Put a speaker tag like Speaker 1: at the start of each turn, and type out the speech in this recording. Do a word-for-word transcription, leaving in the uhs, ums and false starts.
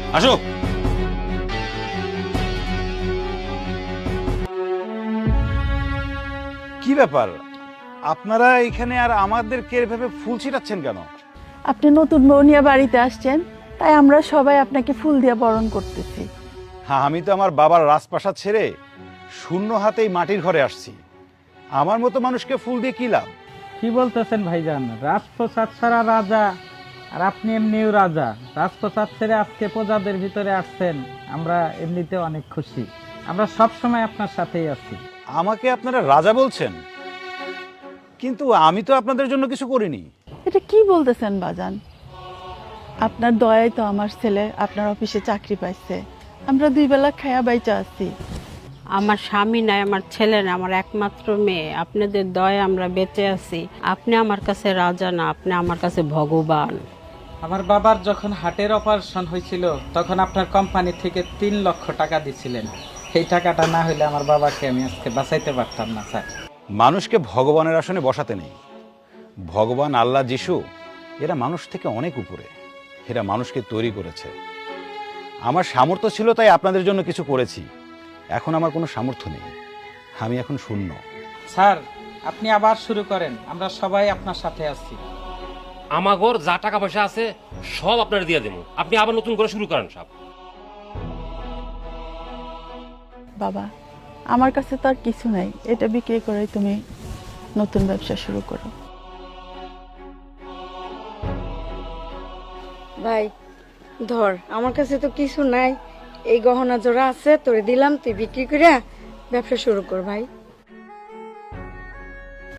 Speaker 1: আসো।
Speaker 2: কি ব্যাপার, আপনারা এখানে আর আমাদেরকে এভাবে ফুল ছিটাচ্ছেন কেন?
Speaker 3: আপনি নতুন বউ নিয়ে বাড়িতে আসছেন, তাই আমরা সবাই আপনাকে ফুল দিয়ে বরণ করতেছি।
Speaker 2: হ্যাঁ, আমি তো আমার বাবার রাজপ্রাসাদ ছেড়ে শূন্য হাতেই মাটির ঘরে আসছি। আমার মতো মানুষকে ফুল দিয়ে কি লাভ?
Speaker 4: কি বলতেছেন ভাইজান? রাজপ্রসাদ ছাড়া রাজা, আর আপনি এমনিও রাজা। রাজপ্রসাদ ছেড়ে আজকে প্রজাদের ভিতরে আসছেন, আমরা এমনিতে অনেক খুশি। আমরা সব সময় আপনার সাথেই আছি।
Speaker 2: আমাকে আপনারা রাজা বলছেন, কিন্তু আমি তো আপনাদের জন্য কিছু করিনি।
Speaker 3: এটা কি বলতেছেন বাজান? আপনার দয়ায় তো আমার ছেলে আপনার অফিসে চাকরি পাইছে, আমরা দুই বেলা খায়া বাইচা আছি।
Speaker 5: আমার স্বামী নাই, আমার ছেলে না, আমার একমাত্র মেয়ে। আপনাদের দয়ে আমরা বেঁচে আছি। আপনি আমার কাছে রাজা না, আপনি আমার কাছে ভগবান।
Speaker 4: আমার বাবার যখন হার্টের অপারেশন হয়েছিল তখন আপনার কোম্পানি থেকে তিন লক্ষ টাকা দিছিলেন। সেই টাকাটা না হলে আমার বাবাকে আমি আজকে বাঁচাইতে পারতাম না স্যার।
Speaker 2: মানুষকে ভগবানের আসনে বসাতে নেই। ভগবান, আল্লাহ, যিশু এরা মানুষ থেকে অনেক উপরে। এরা মানুষকে তৈরি করেছে। আমার সামর্থ্য ছিল তাই আপনাদের জন্য কিছু করেছি। এখন আমার কোনো সামর্থ্য নেই, আমি এখন শূন্য।
Speaker 4: স্যার, আপনি আবার শুরু করেন, আমরা সবাই আপনার সাথে আছি।
Speaker 1: আমাগর যা টাকা পয়সা আছে সব আপনারা দিয়ে দেবো, আপনি আবার নতুন করে শুরু করেন সব।
Speaker 3: বাবা, আমার কাছে তো আর কিছু নাই, এটা বিক্রি করে তুমি নতুন ব্যবসা শুরু করো।
Speaker 6: ভাই ধর, আমার কাছে তো কিছু নাই, এই গহনা জোড়া আছে তোরে দিলাম, তুই বিক্রি করে ব্যবসা শুরু কর ভাই।